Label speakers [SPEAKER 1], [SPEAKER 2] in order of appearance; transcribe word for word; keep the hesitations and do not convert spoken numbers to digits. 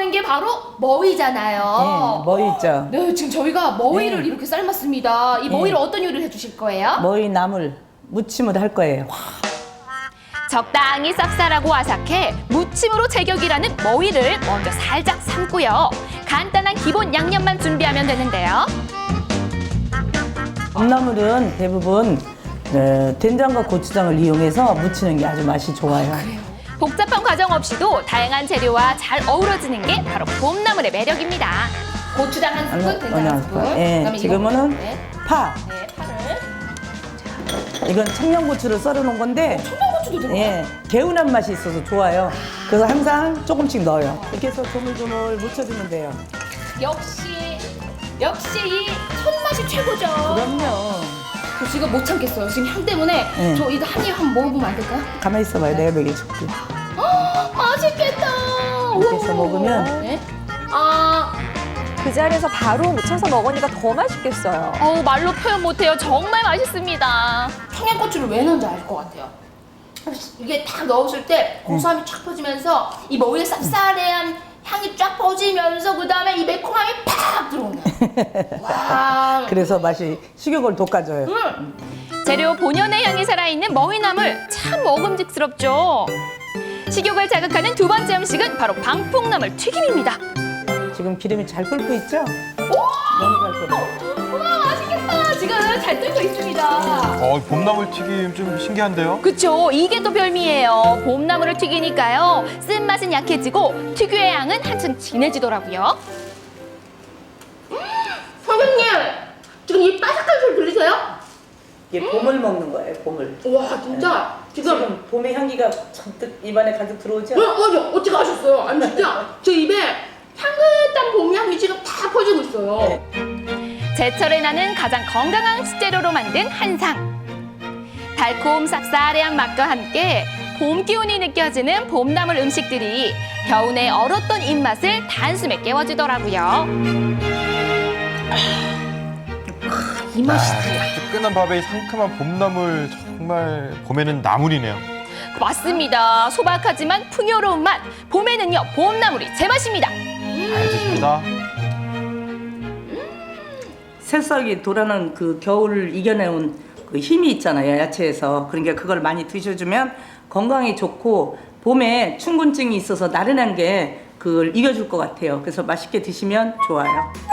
[SPEAKER 1] 있는 게 바로 머위잖아요.
[SPEAKER 2] 네, 머위 있죠.
[SPEAKER 1] 네, 지금 저희가 머위를
[SPEAKER 2] 네.
[SPEAKER 1] 이렇게 삶았습니다. 이 머위를
[SPEAKER 2] 네.
[SPEAKER 1] 어떤 요리를 해주실 거예요?
[SPEAKER 2] 머위 나물 무침을 할 거예요.
[SPEAKER 3] 적당히 쌉쌀하고 아삭해 무침으로 제격이라는 머위를 먼저 살짝 삶고요. 간단한 기본 양념만 준비하면 되는데요.
[SPEAKER 2] 봄나물은 대부분 어, 된장과 고추장을 이용해서 무치는 게 아주 맛이 좋아요.
[SPEAKER 3] 복잡한 과정 없이도 다양한 재료와 잘 어우러지는 게 바로 봄나물의 매력입니다.
[SPEAKER 1] 고추장 한 스푼,
[SPEAKER 2] 어느-
[SPEAKER 1] 된장
[SPEAKER 2] 어느
[SPEAKER 1] 한
[SPEAKER 2] 한
[SPEAKER 1] 스푼.
[SPEAKER 2] 스푼. 예,
[SPEAKER 1] 그다음에
[SPEAKER 2] 지금은
[SPEAKER 1] 이거, 네.
[SPEAKER 2] 파.
[SPEAKER 1] 네, 파를.
[SPEAKER 2] 이건 청양고추를 썰어놓은 건데
[SPEAKER 1] 청양고추도 들어가요?
[SPEAKER 2] 예, 개운한 맛이 있어서 좋아요. 그래서 항상 조금씩 넣어요. 이렇게 해서 조물조물 무쳐주면 돼요.
[SPEAKER 1] 역시 역시 이 손맛이 최고죠.
[SPEAKER 2] 그럼요.
[SPEAKER 1] 저 지금 못 참겠어요. 지금 향 때문에
[SPEAKER 2] 네.
[SPEAKER 1] 저 이거 한 입 한번 먹어보면 안 될까요?
[SPEAKER 2] 가만히 있어봐요. 내가 먹여줄게.
[SPEAKER 1] 헉, 맛있겠다.
[SPEAKER 2] 이렇게 해서
[SPEAKER 1] 우와.
[SPEAKER 2] 먹으면
[SPEAKER 1] 네? 아,
[SPEAKER 4] 그 자리에서 바로 무쳐서 먹으니까 더 맛있겠어요.
[SPEAKER 3] 어우, 말로 표현 못해요. 정말 맛있습니다.
[SPEAKER 1] 청양고추를 왜 넣은지 알 것 같아요. 이게 딱 넣었을 때 고소함이 쫙 퍼지면서 이 머위의 쌉싸래한 향이 쫙 퍼지면서 그 다음에 이 매콤함이 팍 들어오네. 와.
[SPEAKER 2] 그래서 맛이 식욕을 돋궈줘요.
[SPEAKER 1] 음.
[SPEAKER 3] 재료 본연의 향이 살아있는 머위나물 참 먹음직스럽죠. 식욕을 자극하는 두 번째 음식은 바로 방풍나물 튀김입니다.
[SPEAKER 2] 지금 기름이 잘 끓고 있죠? 너무 잘 끓어.
[SPEAKER 1] 우와, 맛있겠다. 지금 잘 끓고 있습니다.
[SPEAKER 5] 어, 봄나물 튀김 좀 신기한데요?
[SPEAKER 3] 그쵸? 이게 또 별미예요. 봄나물을 튀기니까요. 쓴맛은 약해지고 특유의 향은 한층 진해지더라고요.
[SPEAKER 1] 선생님, 지금 이 바삭한 소리 들리세요?
[SPEAKER 2] 이게 봄을 먹는 거예요, 봄을.
[SPEAKER 1] 와, 진짜 지금
[SPEAKER 2] 지금 봄의 향기가 잔뜩 입안에 가득 들어오죠?
[SPEAKER 1] 어, 맞아. 어떻게 아셨어요? 아니 진짜 제 입에 향긋한 봄 향이 지금 다 퍼지고 있어요.
[SPEAKER 2] 네.
[SPEAKER 3] 제철에 나는 가장 건강한 식재료로 만든 한상. 달콤 쌉싸래한 맛과 함께 봄 기운이 느껴지는 봄나물 음식들이 겨우내 얼었던 입맛을 단숨에 깨워주더라고요.
[SPEAKER 1] 이 맛이지.
[SPEAKER 5] 뜨끈한 밥에 상큼한 봄나물 정말 봄에는 나물이네요.
[SPEAKER 3] 맞습니다. 소박하지만 풍요로운 맛. 봄에는요, 봄나물이 제맛입니다.
[SPEAKER 5] 알겠습니다.
[SPEAKER 2] 새싹이 돌아는 그 겨울을 이겨내온 그 힘이 있잖아요, 야채에서. 그러니까 그걸 많이 드셔주면 건강에 좋고 봄에 충곤증이 있어서 나른한 게 그걸 이겨줄 것 같아요. 그래서 맛있게 드시면 좋아요.